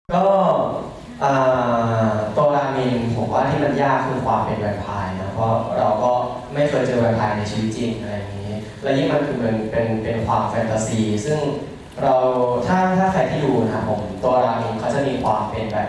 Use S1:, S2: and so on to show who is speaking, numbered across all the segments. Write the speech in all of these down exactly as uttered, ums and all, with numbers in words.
S1: ก็ตัวรามินผมว่าที่มันยากคือความเป็นแวมไพร์นะเพราะเราก็ไม่เคยเจอแวมไพร์ในชีวิตจริงอะไรอย่างนี้และยิ่งมันคือเป็นเป็นเป็นความแฟนตาซีซึ่งเราถ้าถ้าใครที่ดูนะผมตัวรามินเขาจะมีความเป็นแบบ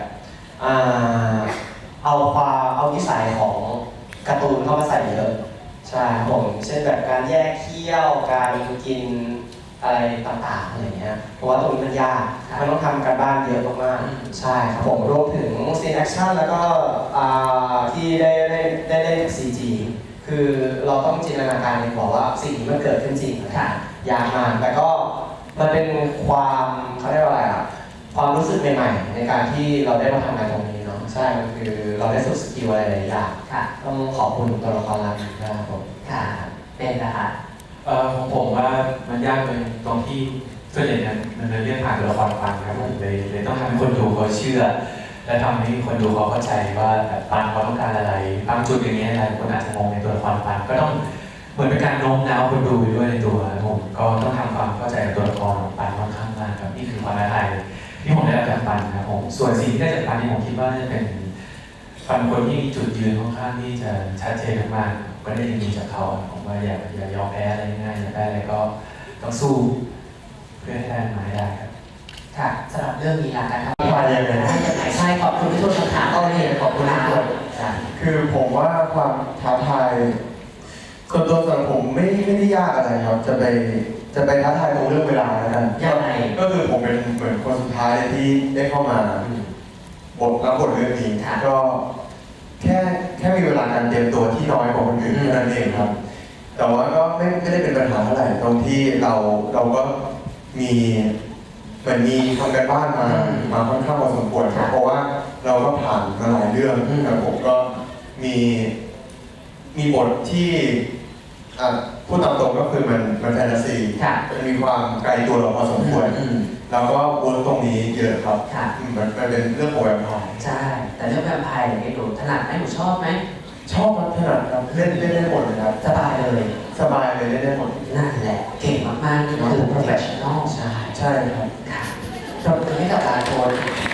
S1: เอาความเอานิสัยของการ์ตูนเข้ามาใส่เยอะใช่ผมเช่นแบบการแยกเขี้ยวการกินอะไรต่างๆอะไรเงี้ยเพราะว่าตรงนี้มันยากมันต้องทำการบ้านเยอะมากๆใช่ครับผมรวมถึงซีนแอคชั่นแล้วก็ที่ได้ได้ได้เล่นกับ ซี จี คือเราต้องจินตนาการเลยบอกว่าสิ่งนี้มันเกิดขึ้นจริงค่ะยากมากแต่ก็มันเป็นความเขาเรียกว่าอะไรอ่ะความรู้สึกใหม่ๆในการที่เราได้มาทำงานตรงนี้เนาะใช่มันคือเราได้ฝึกสกิลอะไรหลายอย่างต้องขอบคุณตัวละครลับนะครับผม
S2: ค่ะเป็นนะคะ
S3: เอ่อของผมว่ามันยากเลยตรงที่ส่วนใหญ่เนี่ยมันเรื่องผ่านตัวละครฟังครับผมเลยเลยต้องทำให้คนดูเขาเชื่อและทำให้คนดูเขาเข้าใจว่าแบบปันเขาต้องการอะไรบางจุดอย่างเงี้ยหลายคนอาจจะงงในตัวละครปันก็ต้องเหมือนเป็นการโน้มน้าวคนดูไปด้วยในตัวผมก็ต้องทำความเข้าใจกับตัวละครของปันค่อนข้างมากครับนี่คือความท้าทายที่ผมได้รับจากปันครับผมส่วนสิ่งที่ได้จากปันที่ผมคิดว่าจะเป็นปันคนที่มีจุดยืนค่อนข้างที่จะชัดเจนมากๆก็ได้ยินดีจากเขาผมว่าอย่าอย่ายอมแพ้อะไรง่ายอย่าได้อะไรก็ต้องสู้เพื่อให้ได้มาให้ได้ครับ
S2: ค่ะสำหรับเรื่องนี้ละกันครับ
S1: มาอย่างไร
S2: ยังไงใช่ขอบคุณที่ช่วยคำถามก็เรียนขอบคุณมากเลย
S4: คือผมว่าความท้าทายส่วนตัวสำหรับผมไม่ไม่ได้ยากอะไรครับจะไปจะไปท้าทายตรงเรื่องเวลาแล้วกัน
S2: ยังไง
S4: ก็คือผมเป็นเหมือนคนสุดท้ายที่ได้เข้ามาบทรับบทเรื่องนี้ก็แค่แค่มีเวลาการเตรียมตัวที่น้อยกว่าคนอื่นเท่านั้นเองครับแต่ว่าก็ไม่ไม่ได้เป็นปัญหาเท่าไหร่ตรงที่เราเราก็มีเหมือนมีทำการบ้านมามาค่อนข้างพอสมควรเพราะว่าเราก็ผ่านมาหลายเรื่องแต่ผมก็มีมีบทที่พูดตามตรงก็คือมันมันแฟนตาซีมันมีความไกลตัวเราพอสมควรแล้วก็วนตรงนี้เยอะครับมันมันเป็นเรื่องของแวมไพร์
S2: ใช่แต่เรื่องแวมไพร์เนี่ยหนูถนัดไหมหนูชอบไหม
S4: ชอบครับถนัดครับเล่นเล่นได้หมดเลยครับ
S2: สบายเลย
S4: สบายเลยเล่นได้หมด
S2: นั่นแหละเก่งมากๆนี่คือ professional
S4: ใช่ใช่ครับ
S2: ค่ะปรบมือให้กับการโคน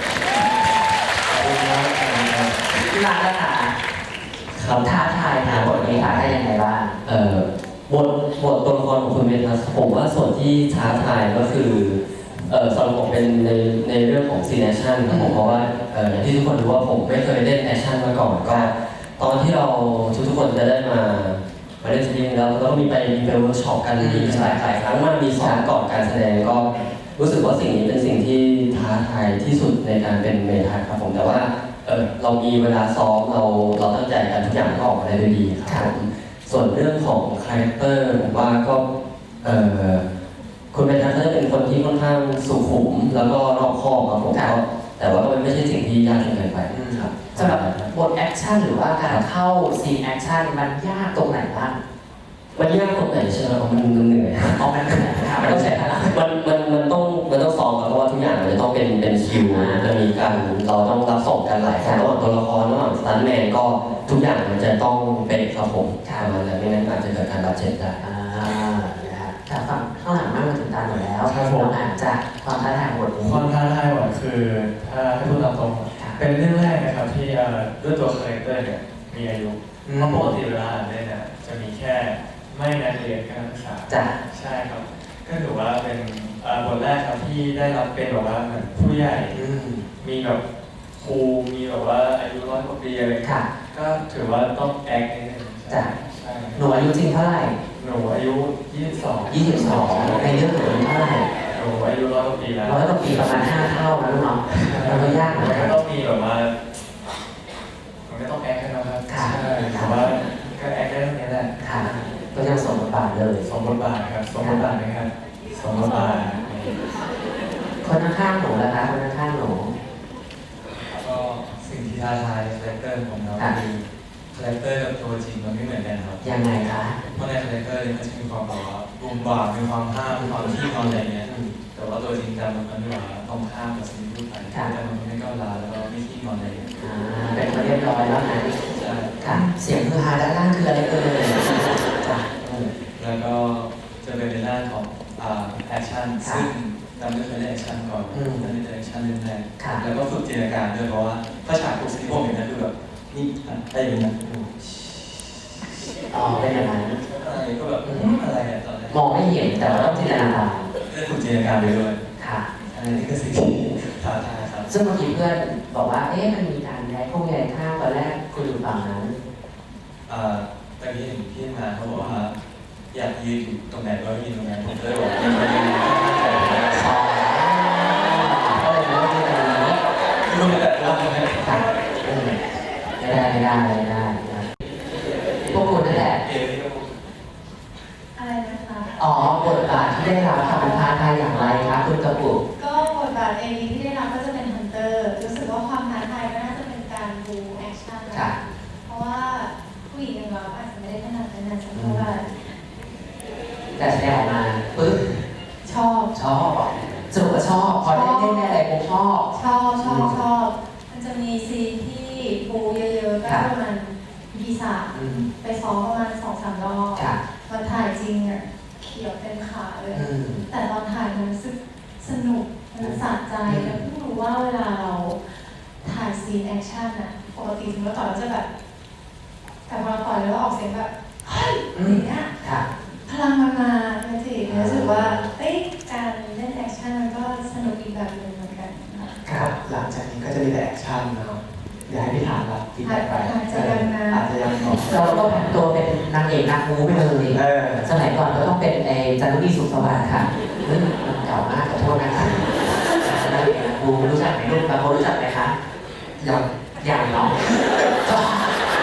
S2: ที่ร้านละค่ะคำท้าทายนะบทนี้ท้าทายยังไงบ้าง
S5: เอ่อบทบทตัวละครของคุณเมทัสผมว่าส่วนที่ท้าทายก็คือเอ่อสำหรับผมเป็นในในเรื่องของซีนแอคชั่นครับผมเพราะว่าเอ่ออย่างที่ทุกคนรู้ว่าผมไม่เคยเล่นแอคชั่นมาก่อนก็ตอนที่เราทุกๆคนจะได้มามาเล่นซีรีส์แล้วเราก็มีไปมีไปเวิร์กช็อปกันมีหลายหลายครั้งมากมีซ้อมก่อนการแสดงก็รู้สึกว่าสิ่งนี้เป็นสิ่งที่ท้าทายที่สุดในการเป็นเมทัสครับผมแต่ว่าเออเรามีเวลาซ้อมเราเราตั้งใจกันทุกอย่างก็ออกมาได้ด้วยดีครับผมส่วนเรื่องของคาแรคเตอร์ผมว่าก็เออคุณเมทัสเป็นคนที่ค่อนข้างสุขุมแล้วก็รอบคอบครับผมก็แต่ว่ามันไม่ใช่สิ่งที่ยากจนเกินไปครับ
S2: สำหรับบทแอคชั่นหรือว่าการเข้าซีนแอคชั่นมันยากตรงไหนบ้าง
S5: มันยากตรงไหนใช่ไหมมันมันเหนื่อย
S2: อ๋อมันเหนื่อยครับ
S5: มันต้องใช้พลังมันมันมันต้องมันต้องซ้อมเพราะว่าทุกอย่างมันจะต้องเป็นเป็นคิวจะมีการเราต้องรับส่งกันหลายครั้งระหว่างตัวละครระหว่างสตันท์แมนก็ทุกอย่างมันจะต้องเป็นครับผมประมาณนั้นไม่งั้นอาจจะเกิดการบาดเจ็บได้
S2: อ่านะครับแต่ฝั่งข้างหลังมากมาถึงตาหมดแล้วเราอ่านจากความท้าทายบทนี้
S3: ความท้าทายบทคือถ้าให้พูดตามตรงเป็นเรื่องแรกนะครับที่ด้วยตัวคาแรคเตอร์เนี่ยมีอายุเพราะปกติเวลาอ่านเนี่ยจะมีแค่ไม่นักเรียนการศึกษา
S2: จ้ะ
S3: ใช่ครับก็ถือว่าเป็นบทแรกครับที่ได้รับเป็นแบบว่าเหมือนผู้ใหญ่มีแบบครูมีแบบว่าอายุร้อยกว่าปีอะไรก็ถือว่าต้องแอคนิดนึง
S2: จ้ะหนูอายุจริงเท่าไหร่
S3: หนูอายุยี่สิบสอง
S2: ยี่สิบสองในเรื่องหนูเท่าไหร่
S3: หนูอายุร้อยกว่าปีแล้ว
S2: ร้อยกว่าปีประมาณห้าเท่านะลูกเนาะมันก็ยากเหมือนกัน
S3: ต้องมีแบบว่ามันก็ต้องแอคให้นะครับใช่แต่ว่าก็แอคได้เท่านี้แหละ
S2: ค่ะก็ยังสมบทบาทเลย
S3: สมบทบาทครับสมบทบาทนะครับสมบทบาท
S2: คนข้างๆหนูนะคะคนข้างๆหนู
S3: ก็สิ่งที่ท้าทายคาแรคเตอร์ของเราคือคาแรคเตอร์กับตัวจริงมันไม่เหมือนกันครับ
S2: ยังไงคะ
S3: เพราะในคาแรคเตอร์เนี่ยมันจะมีความแบบว่าบูมบ่ามีความห้ามมีความที่ความอะไรเงี้ยแต่ว่าตัวจริงจังมันมันว่าต้องห้ามกับสิ่งที่พูดไปแต่มันไม่ก้าวร้าวแล้วก็ไม่ขี้งอนอะไร
S2: เป็นคนเรียบร้อยแล้วนะค่ะเสียงคือฮาด้านล่างคืออะไรเอ่ย
S3: แล้วก็จะเป็นในด้านของแอคชั่นซึ่งนำด้วยเป็นแอคชั่นก่อน
S2: อืม
S3: นั่นเป็นแอคชั่นเรื่องแรก
S2: ค่ะ
S3: แล้วก็ฝึกจินตนาการด้วยเพราะว่าถ้าฉากทุกสิ่งที่ผมเห็นนั่นคือแบบนี่อะไรอย่างเงี้ย
S2: อ๋อเป็นอย่างนั้น
S3: อะไรก็แบบอืมอะไรเนี่ยตอนแรก
S2: มองไม่เห็นแต่ว่าต้องจินตนาการ
S3: ได้ฝึกจินตนาการไปด้วย
S2: ค่ะ
S3: อันนี้คือสิ่งที่ท้าทายครับ
S2: ซึ่งเมื่อกี้เพื่อนบอกว่า เอ๊ะ มันมีการย้ายพวกย้ายข้างตอนแรกคุณอยู่ฝั่งนั้น
S3: อ่าตอนนี้เห็นพี่มาเขาบอกว่าอยากยืนอยู่ตรงไหนก็ยืนตรงนั้นผมก็เลยบอกยืนตรงนี้
S2: อ๋อก็เลยไม่ได้เป็นอย่างนี้
S3: รู้แต่ละคนนะ
S2: ค่ะอืมไม่ได้ไม่ได้ไม่ได้นะพวกคุณนั่นแหละ
S3: เอนี่ก็
S6: อะไรนะคะ
S2: อ๋อบทบาทที่ได้รับค่ะมันท้าทายอย่างไรคะคุณกระปุก
S6: ก็บทบาทเอวีที่ได้รับก็จะเป็นฮันเตอร์ รู้สึกว่าความท้าทายก็น่าจะเป็นการบูแอคชั่นนะ
S2: ค่ะ
S6: เพราะว่าผู้หญิงอย่างเราอาจจะไม่ได้ถนัดในนั้นสักเท่าไหร่
S2: แต่แสดงออกมาปึ๊บ
S6: ชอบ
S2: ชอบสรุปว่าชอบพอได้เล่นได้อะไรปุ๊บชอบ
S6: ชอบชอบชอบ มันจะมีซีนที่บูเยอะๆก็ประมาณพีสาม
S2: อืม
S6: ไปซ้อมประมาณสองสามรอบ
S2: ค่ะ
S6: วันถ่ายจริงอ่ะเขียวเต็มขาเลย
S2: อืม
S6: แต่ตอนถ่ายมันรู้สึกสนุก มันสะใจ
S2: อืม
S6: แล้วเพิ่งรู้ว่าเวลาเราถ่ายซีนแอคชั่นอะปกติถึงเมื่อก่อนเราจะแบบ แต่พอเราปล่อยแล้วออกเสียงแบบเฮ้ยอย่างเงี้ย
S2: ค่ะ
S6: พลังมันมาเลยสิรู้สึกว่าเอ้ยการเล่นแอคชั่นมันก็สนุกอีกแบบหนึ่งเหมือนกันค่ะ
S2: ครับ
S1: หลังจากนี้ก็จะมีแต่แอคชั่นนะครับอยากให้พี่ถามรับฟีดแบ็กไป
S6: อาจจะยังนะ
S1: อาจจะยังตอบ
S2: เราก็ผันตัวเป็นนางเอกนางมูไปเลย
S1: เออ
S2: สมัยก่อนก็ต้องเป็นไอ้จันทบุรีสุขสวัสดิ์ค่ะเฮ้ยมันเก่ามากขอโทษนะคะนางเอกนางมูรู้จักไหมลูกบางคนรู้จักไหมคะ
S1: ยัง
S2: อย่างเนาะชอบ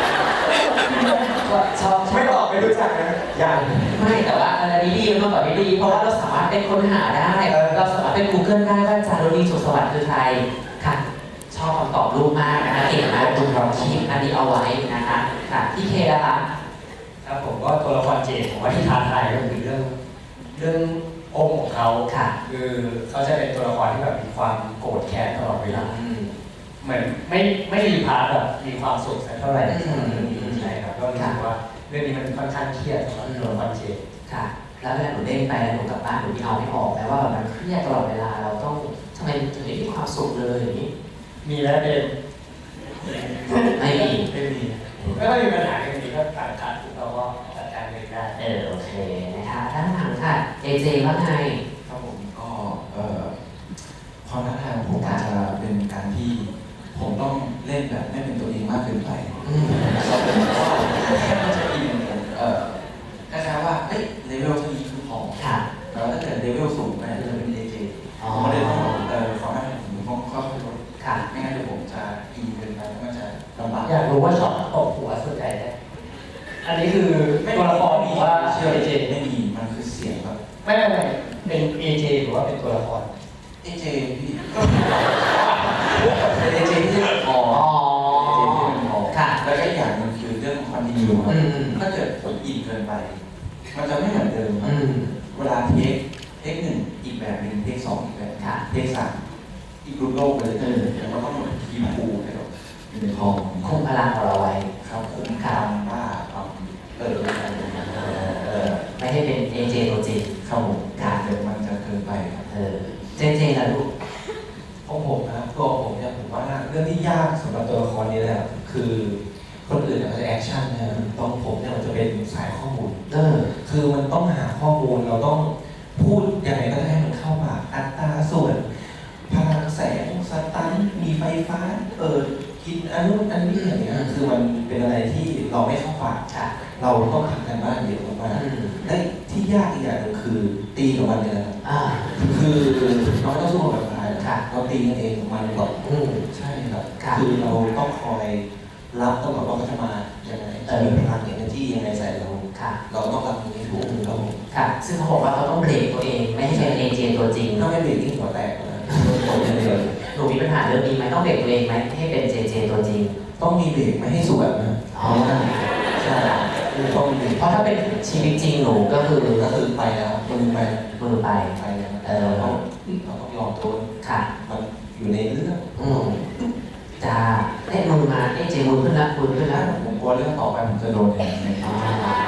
S2: ชอบ
S1: ไม่ตอบไม่รู้จักนะยัง
S2: ไม่แต่ว่าอันนี้ดีมันแบบนี้ดี เพราะว่าเราสามารถเป็นค้นหาได้
S1: เออ
S2: เราสามารถเป็น Google ได้ว่าจารุณีสุขสวัสดิ์คือใครค่ะ ชอบคำตอบลูกมากนะคะเก่งมากคุณเราคีปอันนี้เอาไว้นะคะค่ะพี่เคนะคะ
S7: ครับผมก็ตัวละครเจดผมว่าที่ท้าทายก็คือเรื่องเรื่ององค์ของเขา
S2: ค่ะ
S7: คือเขาจะเป็นตัวละครที่แบบมีความโกรธแค้นตลอดเวลา
S2: อืม
S7: เหมือนไม่ไม่มีพาร์ทแบบมีความสุขสักเท่าไหร่
S2: อืม
S7: เรื่องนี้ใช่ครับก็รู้สึกว่าเรื่องนี้มันค่อนข้างเครียดสำหรับตัวละครเจด
S2: ค่ะ แล้วเวลาหนูเด้งไปแล้วหนูกลับบ้านหนูมีเอาไม่ออกแม้ว่าแบบมันเครียดตลอดเวลาเราต้องทำไมถึงไม่มีความสุขเลยอย่างนี้
S7: มีแล้วเดน
S2: ไม่มี
S7: ไม่มีไม่ค่อยมีปัญหากันนี้ก็ต่างกันเราก็จัดการเองได้
S2: เออโอเคนะคะด้านหลังค่ะเจเจว่าไง
S8: ครับผมก็เอ่อความท้าทายของผมอาจจะเป็นการที่ผมต้องเล่นแบบไม่เป็นตัวเองมากเกินไป
S2: อืม
S8: เราเป็นว่าแค่มันจะอินผมเอ่อคล้ายๆว่าเอ้ยเลเวลเท่านี้คือพอ
S2: ค่ะ
S8: แต่ว่าถ้าเกิดเลเวลสูงเนี่ยจะเป็นเอเจ
S2: อ๋อ
S8: ผมก็เลยต้องเอ่อขอให้ผมต้องค่อยๆลด
S2: ค่ะ
S8: ไม่งั้นเดี๋ยวผมจะอินเกินไปแล้วมันจะลำบาก
S7: อยากรู้ว่าช็อตตบหัวสุดใจได้อันนี้คือตัวละครหรือว่า
S8: เชื่อ
S7: เอ
S8: เจ
S7: เจ
S8: ไม่มีมันคือเสียงแบบ
S7: ไม่ไม่ไม่เป็นเอเจหรือว่าเป็นตัวละคร
S8: เอเจพี่ก็เป็นเอเจที่พอ
S2: อ๋อ
S8: ค่ะ
S2: ค่ะ
S8: แล้วก็อีกอย่างหนึงคือเรื่องคอนติเนียครับ
S2: อืม
S8: ถ้าเกิดผมอินเกินไป มันจะไม่เหมือนเดิมครั
S2: อื
S8: บ
S2: ม
S8: เวลาเทคเทคหนึ่งอีกแบบหนึ่งเทคสองอีกแบบ
S2: ค่ะ
S8: เทคสามอีกรูปโลกไปเลย
S2: อืม
S8: แล้วก็ต้องทีมพูให้เราอยู่ในห้อง
S2: คุมพลังของเราไว้
S8: ครับคุ้มค่าบ้าความเอออะไรอย่างเงี้ยเออ
S2: ไม่ให้เป็นเอเจตัวจริง
S8: เข้าผมค่ะเดี๋ยวมันจะเกินไปครับ
S2: เออเจเจนะลูก
S3: ของผมนะตัวผมเนี่ยผมว่าเรื่องที่ยากสำหรับตัวละครนี้แหละคือคนอื่นเนี่ยมันจะแอคชั่นนะตอนผมเนี่ยมันจะเป็นสายข้อมูล
S2: เออ
S3: คือมันต้องหาข้อมูลเราต้องพูดยังไงก็ได้ให้มันเข้าปากอัตราส่วนพลังแสงสตันมีไฟฟ้าเปิดกินอันนู้นอันนี้อย่างเงี้ยคือมันเป็นอะไรที่เราไม่เข้าปาก
S2: ค่ะ
S3: เราต้องทำกันบ้านเยอะมาก
S2: อืม
S3: ๆและที่ยากอีกอย่างหนึงคือตีกับมันเนี่ยนะครับ
S2: อ่า
S3: คือเราไม่ต้องสู้กับใคร
S2: ค่ะ
S3: เราตีกันเองมันหรอก
S2: อืม
S3: ใช่ครับ
S2: ค่ะ
S3: คือเราต้องคอยรับตลอดว่าเขาจะมายังไงจะมีพลังเอเนอร์จียังไงใส่เรา
S2: ค่ะ
S3: เราต้องรับตรงนี้ถูกครับผม
S2: ค่ะ ซึ่งเขาบอกว่าเขาต้องเบรกตัวเอง ไม่ให้เป็นเอเจตัวจริง
S3: ถ้าไม่เบรกที่หัวแตกนะผมอย่างเดียว
S2: หนูมีปัญหาเรื่องนี้ไหมต้องเบรกตัวเองไหมให้เป็นเจเจตัวจริง
S3: ต้องมีเบรกไม่ให้สวนนะ
S2: อ๋อ
S3: ใช่ต้องมีเบรก
S2: เพราะถ้าเป็นชีวิตจริงหนูก็คือ
S3: ก็คือไปแล้วมือไป
S2: มือไป
S3: ไปแล้ว
S2: เออ
S3: เราต้องเราต้องยอมทน
S2: ค่ะ
S3: มันอยู่ในเรื่อง
S2: อืมจ้าเอ๊ะมือมาเอ๊ะเจมือขึ้นละมือขึ้นละ
S3: ผมกลัวเรื่องต่อไปผมจะโดนอย่างนี้
S2: อ๋อ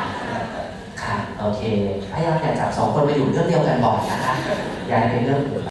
S2: ค่ะ โอเค พยายามอย่าจับสองคนมาอยู่เรื่องเดียวกันบ่อยนะคะ อย่าให้เป็นเรื่องอื่น